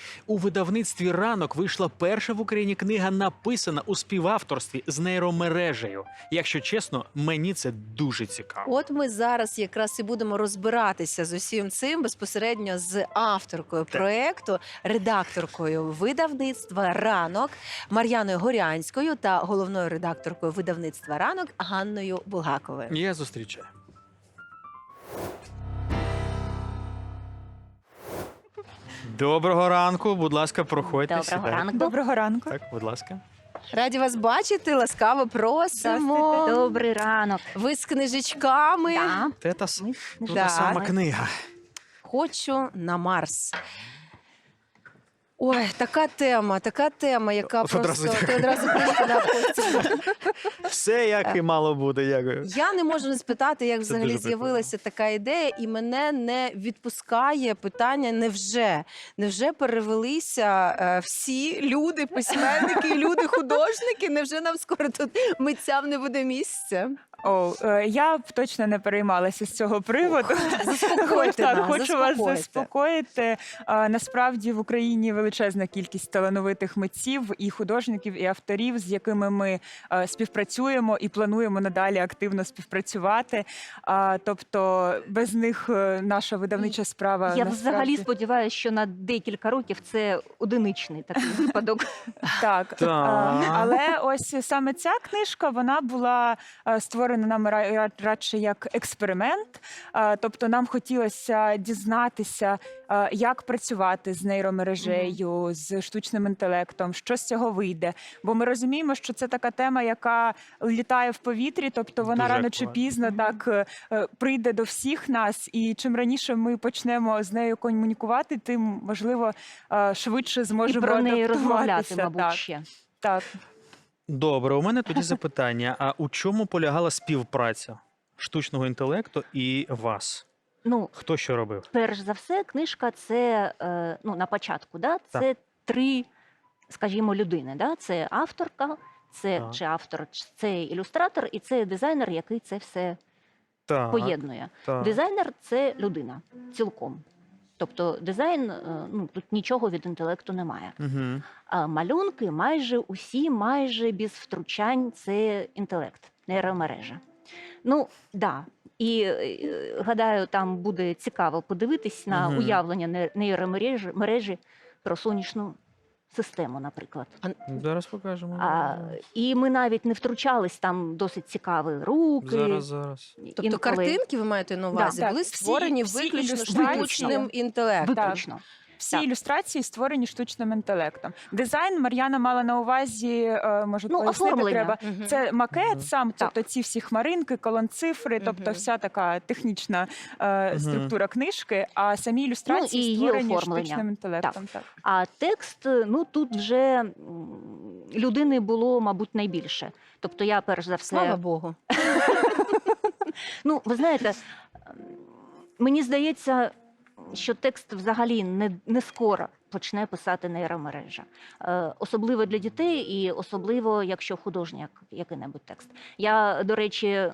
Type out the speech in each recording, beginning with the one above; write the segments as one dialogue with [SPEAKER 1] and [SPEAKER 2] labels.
[SPEAKER 1] У видавництві «Ранок» вийшла перша в Україні книга, написана у співавторстві з нейромережею. Якщо чесно, мені це дуже цікаво.
[SPEAKER 2] От ми зараз якраз і будемо розбиратися з усім цим безпосередньо з авторкою проєкту, редакторкою видавництва «Ранок» Мар'яною Горянською та головною редакторкою видавництва «Ранок» Ганною Булгаковою.
[SPEAKER 1] Я зустрічаю. Доброго ранку, будь ласка, проходьте.
[SPEAKER 3] Доброго
[SPEAKER 1] сідайте.
[SPEAKER 3] ранку.
[SPEAKER 4] Доброго ранку.
[SPEAKER 1] Так, будь ласка.
[SPEAKER 2] Раді вас бачити, ласкаво просимо.
[SPEAKER 3] Добрий ранок.
[SPEAKER 2] Ви з книжечками.
[SPEAKER 3] Да.
[SPEAKER 1] Тетас,
[SPEAKER 3] Ми
[SPEAKER 1] тут
[SPEAKER 2] Да.
[SPEAKER 1] та сама книга.
[SPEAKER 2] Хочу на Марс. Ой, така тема, яка
[SPEAKER 1] Одразу
[SPEAKER 2] просто...
[SPEAKER 1] дякую.
[SPEAKER 2] Ти одразу прийшла, Костя.
[SPEAKER 1] Все як і мало бути, дякую.
[SPEAKER 2] Я не можу не спитати, як взагалі
[SPEAKER 1] дуже
[SPEAKER 2] з'явилася така ідея, і мене не відпускає питання невже? Невже перевелися всі люди, письменники, люди, художники? Невже нам скоро тут митцям не буде місця?
[SPEAKER 4] Я б точно не переймалася з цього приводу.
[SPEAKER 2] Заспокойте нас,
[SPEAKER 4] Хочу вас
[SPEAKER 2] заспокойте.
[SPEAKER 4] заспокоїти. Насправді в Україні величезна кількість талановитих митців і художників, і авторів, з якими ми співпрацюємо і плануємо надалі активно співпрацювати. Тобто без них наша видавнича справа
[SPEAKER 3] Я
[SPEAKER 4] насправді...
[SPEAKER 3] взагалі сподіваюся, що на декілька років це одиничний такий випадок.
[SPEAKER 4] Так,
[SPEAKER 1] Так.
[SPEAKER 4] але ось саме ця книжка, вона була створена нами радше як експеримент. Тобто нам хотілося дізнатися, як працювати з нейромережею, з штучним інтелектом, що з цього вийде. Бо ми розуміємо, що це така тема, яка літає в повітрі, тобто вона
[SPEAKER 1] Дуже
[SPEAKER 4] рано чи
[SPEAKER 1] актуально.
[SPEAKER 4] пізно так прийде до всіх нас. І чим раніше ми почнемо з нею комунікувати, тим, можливо, швидше
[SPEAKER 3] І
[SPEAKER 4] зможемо
[SPEAKER 3] про неї розмовляти,
[SPEAKER 4] адаптуватися.
[SPEAKER 3] мабуть,
[SPEAKER 4] Так,
[SPEAKER 3] ще.
[SPEAKER 4] так.
[SPEAKER 1] Добре, у мене тоді запитання. А у чому полягала співпраця штучного інтелекту і вас?
[SPEAKER 3] Ну,
[SPEAKER 1] Хто що робив?
[SPEAKER 3] перш за все, книжка це, на початку, да? Це три, скажімо, людини. Да? Це авторка, це
[SPEAKER 1] Так.
[SPEAKER 3] чи автор, це ілюстратор і це дизайнер, який це все
[SPEAKER 1] Так,
[SPEAKER 3] поєднує.
[SPEAKER 1] так.
[SPEAKER 3] Дизайнер – це людина цілком. Тобто дизайн, тут нічого від інтелекту немає.
[SPEAKER 1] Угу.
[SPEAKER 3] А малюнки майже усі, майже без втручань – це інтелект, нейромережа. Ну, да. І гадаю, там буде цікаво подивитись на
[SPEAKER 1] Мгм.
[SPEAKER 3] уявлення нейромережі про сонячну систему, наприклад.
[SPEAKER 1] Зараз покажемо.
[SPEAKER 3] І ми навіть не втручались, там досить цікаві руки.
[SPEAKER 1] Зараз.
[SPEAKER 2] Тобто
[SPEAKER 3] інколи-
[SPEAKER 2] картинки, ви маєте на увазі,
[SPEAKER 4] Так,
[SPEAKER 2] були
[SPEAKER 4] всі-
[SPEAKER 2] створені
[SPEAKER 4] всі
[SPEAKER 2] виключно
[SPEAKER 4] ілюстрації.
[SPEAKER 2] штучним інтелектом.
[SPEAKER 3] Виключно.
[SPEAKER 4] Всі
[SPEAKER 3] Так.
[SPEAKER 4] ілюстрації створені штучним інтелектом. Дизайн Мар'яна мала на увазі, може
[SPEAKER 3] Ну,
[SPEAKER 4] пояснити
[SPEAKER 3] оформлення.
[SPEAKER 4] треба.
[SPEAKER 2] Мгм.
[SPEAKER 4] Це макет сам,
[SPEAKER 3] Так.
[SPEAKER 4] тобто ці всі хмаринки, колонцифри, тобто
[SPEAKER 2] Мгм.
[SPEAKER 4] вся така технічна структура книжки, а самі
[SPEAKER 3] Ну,
[SPEAKER 4] ілюстрації
[SPEAKER 3] і її
[SPEAKER 4] створені
[SPEAKER 3] оформлення.
[SPEAKER 4] штучним інтелектом. Так.
[SPEAKER 3] А текст, тут вже людини було, мабуть, найбільше. Тобто я, перш за все...
[SPEAKER 2] Слава Богу.
[SPEAKER 3] Ну, ви знаєте, мені здається, що текст взагалі не скоро почне писати нейромережа. Особливо для дітей і особливо, якщо художній який-небудь текст. Я, до речі,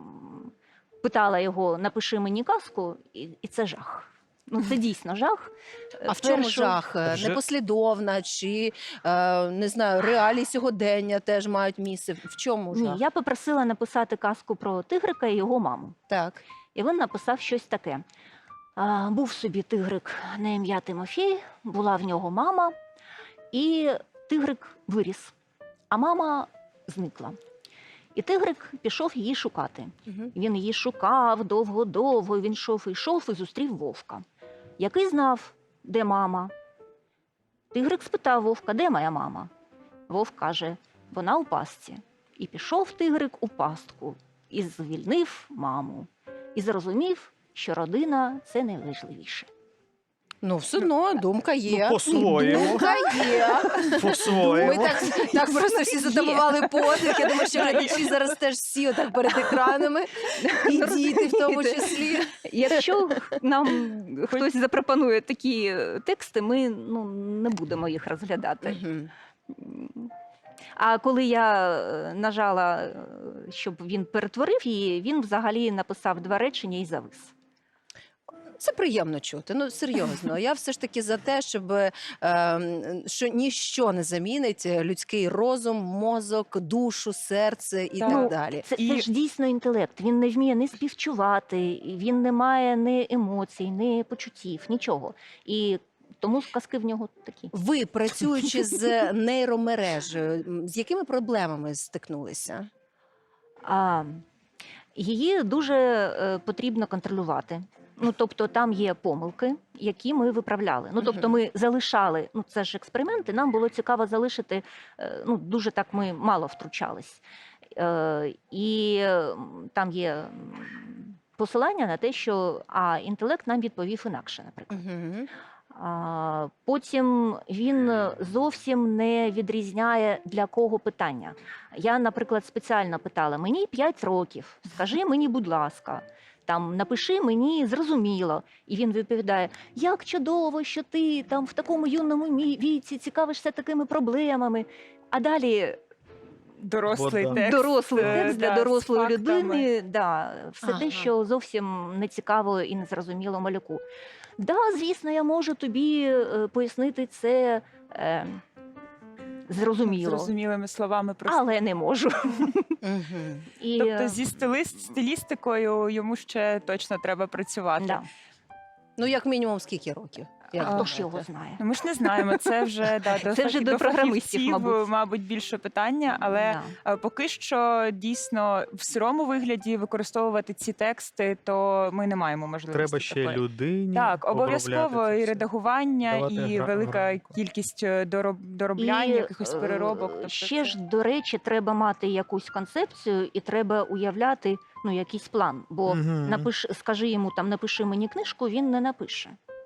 [SPEAKER 3] питала його, напиши мені казку, і це жах. Ну, це дійсно жах.
[SPEAKER 2] А в чому
[SPEAKER 3] Першу-
[SPEAKER 2] жах?
[SPEAKER 1] Вже-
[SPEAKER 2] Непослідовна чи, не знаю, реалії сьогодення теж мають місце? В чому
[SPEAKER 3] Ні,
[SPEAKER 2] жах?
[SPEAKER 3] я попросила написати казку про тигрика і його маму.
[SPEAKER 2] Так.
[SPEAKER 3] І він написав щось таке. Був собі тигрик на ім'я Тимофій, була в нього мама, і тигрик виріс, а мама зникла. І тигрик пішов її шукати.
[SPEAKER 2] Мгм.
[SPEAKER 3] Він її шукав довго-довго, він йшов і зустрів вовка, який знав, де мама. Тигрик спитав вовка, де моя мама? Вовк каже, вона у пастці. І пішов тигрик у пастку, і звільнив маму. І зрозумів, що родина – це найважливіше.
[SPEAKER 2] Ну, все одно, думка є.
[SPEAKER 1] по-своєму.
[SPEAKER 2] Думка є. Ми
[SPEAKER 1] По-своєму.
[SPEAKER 2] так просто всі затамували подих. Я думаю, що глядачі зараз теж всі отак перед екранами. І діти в тому числі.
[SPEAKER 3] Якщо нам хтось запропонує такі тексти, ми не будемо їх розглядати.
[SPEAKER 2] Мгм.
[SPEAKER 3] А коли я нажала, щоб він перетворив її, він взагалі написав 2 речення і завис.
[SPEAKER 2] Це приємно чути. Ну серйозно. Я все ж таки за те, щоб що ніщо не замінить людський розум, мозок, душу, серце і
[SPEAKER 4] Так.
[SPEAKER 2] так
[SPEAKER 3] Ну,
[SPEAKER 2] далі.
[SPEAKER 3] Це ж дійсно інтелект. Він не вміє ні співчувати, він не має ні емоцій, ні почуттів, нічого. І тому сказки в нього такі.
[SPEAKER 2] Ви, працюючи з нейромережею, з якими проблемами стикнулися?
[SPEAKER 3] А, її дуже потрібно контролювати. Ну, тобто там є помилки, які ми виправляли. Ну, тобто ми залишали, ну це ж експерименти, нам було цікаво залишити, ну дуже так ми мало втручались. І там є посилання на те, що інтелект нам відповів інакше, наприклад.
[SPEAKER 2] Угу.
[SPEAKER 3] Потім він зовсім не відрізняє, для кого питання. Я, наприклад, спеціально питала: мені 5 років, скажи мені, будь ласка, там напиши мені зрозуміло. І він відповідає: як чудово, що ти там в такому юному віці цікавишся такими проблемами. А далі
[SPEAKER 4] Дорослий
[SPEAKER 1] Вот, да.
[SPEAKER 4] текст.
[SPEAKER 3] дорослий текст для
[SPEAKER 4] з
[SPEAKER 3] дорослої
[SPEAKER 4] фактами.
[SPEAKER 3] людини, все
[SPEAKER 2] Ага.
[SPEAKER 3] те, що зовсім не цікаво і не зрозуміло малюку. Да, звісно, я можу тобі пояснити це зрозуміло,
[SPEAKER 4] Зрозумілими словами просто.
[SPEAKER 3] але не можу.
[SPEAKER 2] Угу.
[SPEAKER 3] І,
[SPEAKER 4] Тобто зі стилістикою йому ще точно треба працювати.
[SPEAKER 3] да.
[SPEAKER 2] Ну, як мінімум, скільки років? Як
[SPEAKER 3] Хто ж
[SPEAKER 2] думаєте?
[SPEAKER 3] його знає?
[SPEAKER 4] Ну, ми ж не знаємо, це вже
[SPEAKER 3] Це вже до програмистів,
[SPEAKER 4] фахівців,
[SPEAKER 3] мабуть.
[SPEAKER 4] більше питання, але
[SPEAKER 3] Да.
[SPEAKER 4] поки що дійсно в сирому вигляді використовувати ці тексти, то ми не маємо можливості.
[SPEAKER 1] Треба ще
[SPEAKER 4] такої.
[SPEAKER 1] людині.
[SPEAKER 4] Так, обов'язково
[SPEAKER 1] обробляти це
[SPEAKER 4] і
[SPEAKER 1] все.
[SPEAKER 4] редагування,
[SPEAKER 1] Давати
[SPEAKER 4] і велика
[SPEAKER 1] грамотно.
[SPEAKER 4] кількість дороблянь, якихось переробок. Тобто
[SPEAKER 3] ще
[SPEAKER 4] це-
[SPEAKER 3] ж, до речі, треба мати якусь концепцію і треба уявляти, ну, якийсь план. Бо
[SPEAKER 1] Мгм.
[SPEAKER 3] скажи йому там, напиши мені книжку, він не напише.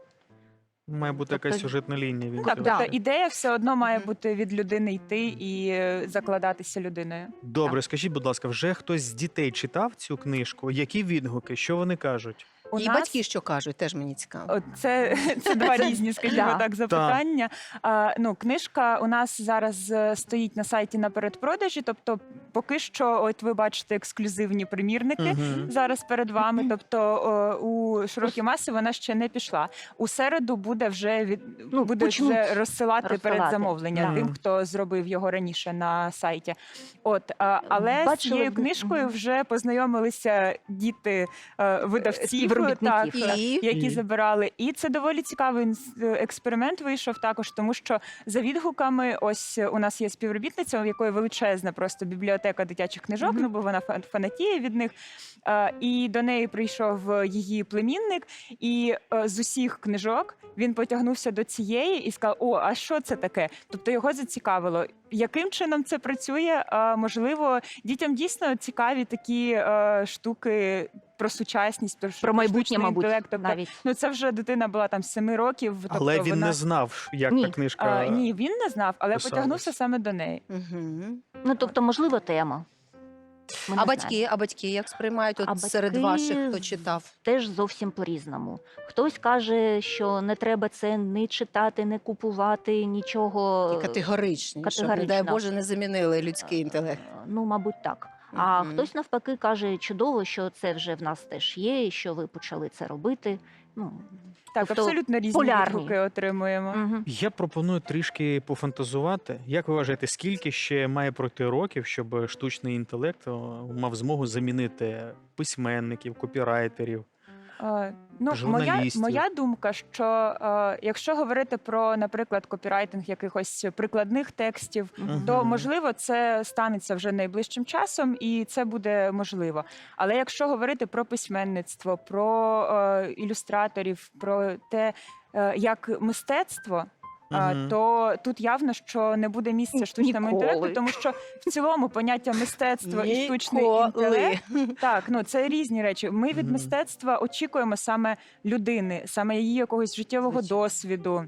[SPEAKER 1] Має бути
[SPEAKER 3] Тобто-
[SPEAKER 1] якась сюжетна лінія. Він
[SPEAKER 4] Так,
[SPEAKER 1] цього.
[SPEAKER 3] да.
[SPEAKER 4] тобто ідея все одно має
[SPEAKER 2] Мгм.
[SPEAKER 4] бути від людини йти і закладатися людиною.
[SPEAKER 1] Добре, скажіть, будь ласка, вже хтось з дітей читав цю книжку? Які відгуки? Що вони кажуть?
[SPEAKER 4] У
[SPEAKER 2] І
[SPEAKER 4] нас-
[SPEAKER 2] батьки що кажуть, теж мені цікаво.
[SPEAKER 4] От це два різні, скажімо
[SPEAKER 3] Да.
[SPEAKER 4] так, запитання. Ну, книжка у нас зараз стоїть на сайті на передпродажі, тобто поки що, от ви бачите ексклюзивні примірники.
[SPEAKER 1] Мгм.
[SPEAKER 4] Зараз перед вами, тобто у широкі маси вона ще не пішла. У середу буде вже буде
[SPEAKER 3] почнуть
[SPEAKER 4] вже розсилати передзамовлення
[SPEAKER 1] Да.
[SPEAKER 4] тим, хто зробив його раніше на сайті. От але з
[SPEAKER 3] Бачили
[SPEAKER 4] цією
[SPEAKER 3] б-
[SPEAKER 4] книжкою
[SPEAKER 3] Мгм.
[SPEAKER 4] вже познайомилися діти видавців,
[SPEAKER 3] Співробітників,
[SPEAKER 4] так,
[SPEAKER 2] І
[SPEAKER 4] які
[SPEAKER 1] І?
[SPEAKER 4] забирали. І це доволі цікавий експеримент вийшов також, тому що за відгуками, ось у нас є співробітниця, у якої величезна просто бібліотека дитячих книжок,
[SPEAKER 3] Мгм.
[SPEAKER 4] ну бо вона фанатіє від них. І до неї прийшов її племінник, і з усіх книжок він потягнувся до цієї і сказав: о, а що це таке? Тобто його зацікавило. Яким чином це працює? Можливо, дітям дійсно цікаві такі штуки про сучасність,
[SPEAKER 3] Про майбутнє,
[SPEAKER 4] штучний
[SPEAKER 3] мабуть,
[SPEAKER 4] інтелект. Тобто,
[SPEAKER 3] навіть.
[SPEAKER 4] ну це вже дитина була там 7 років.
[SPEAKER 1] Але
[SPEAKER 4] тобто
[SPEAKER 1] він
[SPEAKER 4] вона...
[SPEAKER 1] не знав, як
[SPEAKER 3] Ні.
[SPEAKER 1] та книжка.
[SPEAKER 4] Ні, він не знав, але
[SPEAKER 1] писалась.
[SPEAKER 4] потягнувся саме до неї.
[SPEAKER 2] Угу.
[SPEAKER 3] Ну, тобто, можливо, тема. Ми не
[SPEAKER 2] А
[SPEAKER 3] знаємо.
[SPEAKER 2] батьки як сприймають от
[SPEAKER 3] А
[SPEAKER 2] серед
[SPEAKER 3] батьки
[SPEAKER 2] ваших, хто читав?
[SPEAKER 3] Теж зовсім по-різному. Хтось каже, що не треба це не читати, не купувати, нічого.
[SPEAKER 2] І категоричні, щоб, не дай
[SPEAKER 3] категорично.
[SPEAKER 2] Боже, не замінили людський інтелект.
[SPEAKER 3] Ну, мабуть, так. А
[SPEAKER 2] Мгм.
[SPEAKER 3] хтось навпаки каже, чудово, що це вже в нас теж є, і що ви почали це робити. Ну,
[SPEAKER 4] Так,
[SPEAKER 3] Тобто
[SPEAKER 4] абсолютно різні
[SPEAKER 3] полярні.
[SPEAKER 4] відгуки отримуємо.
[SPEAKER 3] угу.
[SPEAKER 1] Я пропоную трішки пофантазувати. Як ви вважаєте, скільки ще має пройти років, щоб штучний інтелект мав змогу замінити письменників, копірайтерів?
[SPEAKER 4] Ну,
[SPEAKER 1] Журналістів.
[SPEAKER 4] моя думка, що якщо говорити про, наприклад, копірайтинг якихось прикладних текстів, то
[SPEAKER 1] Мгм.
[SPEAKER 4] можливо це станеться вже найближчим часом, і це буде можливо. Але якщо говорити про письменництво, про ілюстраторів, про те, як мистецтво.
[SPEAKER 1] Мгм.
[SPEAKER 4] То тут явно, що не буде місця штучному
[SPEAKER 3] Ніколи.
[SPEAKER 4] інтелекту, тому що в цілому поняття мистецтво і штучний
[SPEAKER 2] Ніколи.
[SPEAKER 4] інтелект так, ну це різні речі. Ми від
[SPEAKER 1] Мгм.
[SPEAKER 4] мистецтва очікуємо саме людини, саме її якогось життєвого
[SPEAKER 2] Звичайно.
[SPEAKER 4] досвіду,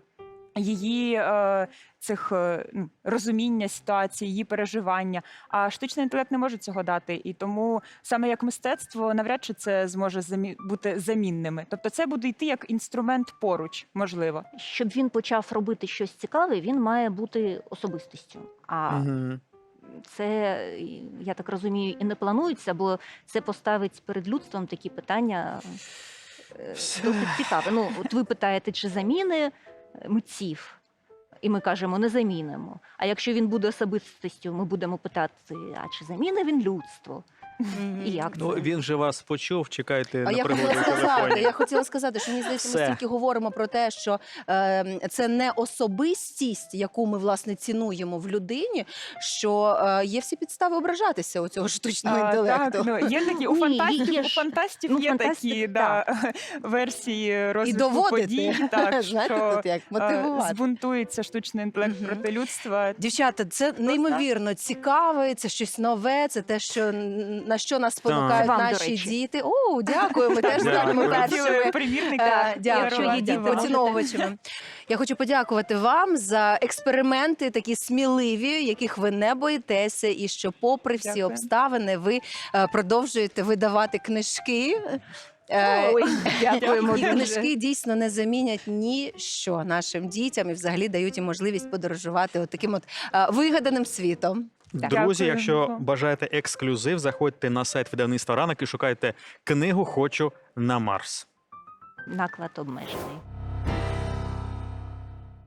[SPEAKER 4] її цих розуміння ситуації, її переживання. А штучний інтелект не може цього дати. І тому саме як мистецтво навряд чи це зможе бути замінними. Тобто це буде йти як інструмент поруч, можливо.
[SPEAKER 3] Щоб він почав робити щось цікаве, він має бути особистістю. А
[SPEAKER 1] Мгм.
[SPEAKER 3] це, я так розумію, і не планується, бо це поставить перед людством такі питання. досить цікаве. Ну, от ви питаєте, чи заміни митців? І ми кажемо, не замінимо. А якщо він буде особистістю, ми будемо питати, а чи заміни він людство? І як це?
[SPEAKER 1] Ну, він же вас почув, чекайте
[SPEAKER 2] А
[SPEAKER 1] на
[SPEAKER 2] я
[SPEAKER 1] пригоду
[SPEAKER 2] хотіла
[SPEAKER 1] в
[SPEAKER 2] сказати,
[SPEAKER 1] телефоні.
[SPEAKER 2] що мені здається, ми
[SPEAKER 1] Все.
[SPEAKER 2] стільки говоримо про те, що це не особистість, яку ми власне цінуємо в людині, що є всі підстави ображатися у цього штучного інтелекту.
[SPEAKER 4] Так, ну, є такі,
[SPEAKER 3] Є
[SPEAKER 4] у
[SPEAKER 3] ж.
[SPEAKER 4] фантастів
[SPEAKER 3] Ну,
[SPEAKER 4] є
[SPEAKER 3] фантастик,
[SPEAKER 4] такі версії
[SPEAKER 2] І
[SPEAKER 4] розвитку
[SPEAKER 2] доводити,
[SPEAKER 4] подій, так,
[SPEAKER 2] знаєте,
[SPEAKER 4] що
[SPEAKER 2] тут як мотивувати.
[SPEAKER 4] збунтується штучний інтелект
[SPEAKER 2] Мгм.
[SPEAKER 4] проти людства.
[SPEAKER 2] Дівчата, це неймовірно цікаве, це щось нове, це те, що на що нас спонукають
[SPEAKER 3] Вам, до
[SPEAKER 2] наші
[SPEAKER 3] речі.
[SPEAKER 2] діти. О, дякую, ми теж станемо
[SPEAKER 1] Дякую.
[SPEAKER 2] першими.
[SPEAKER 4] Примірники
[SPEAKER 2] Дякую,
[SPEAKER 3] Якщо є діти, можете.
[SPEAKER 2] поціновувачами. Я хочу подякувати вам за експерименти такі сміливі, яких ви не боїтеся, і що попри всі
[SPEAKER 4] Дякую.
[SPEAKER 2] обставини ви продовжуєте видавати книжки.
[SPEAKER 3] Ой, дякуємо
[SPEAKER 2] І
[SPEAKER 3] дуже.
[SPEAKER 2] книжки дійсно не замінять ніщо нашим дітям і взагалі дають їм можливість подорожувати от таким от вигаданим світом.
[SPEAKER 1] Друзі,
[SPEAKER 4] Дякую.
[SPEAKER 1] якщо бажаєте ексклюзив, заходьте на сайт видавництва «Ранок» і шукайте книгу «Хочу на Марс».
[SPEAKER 3] Наклад обмежений.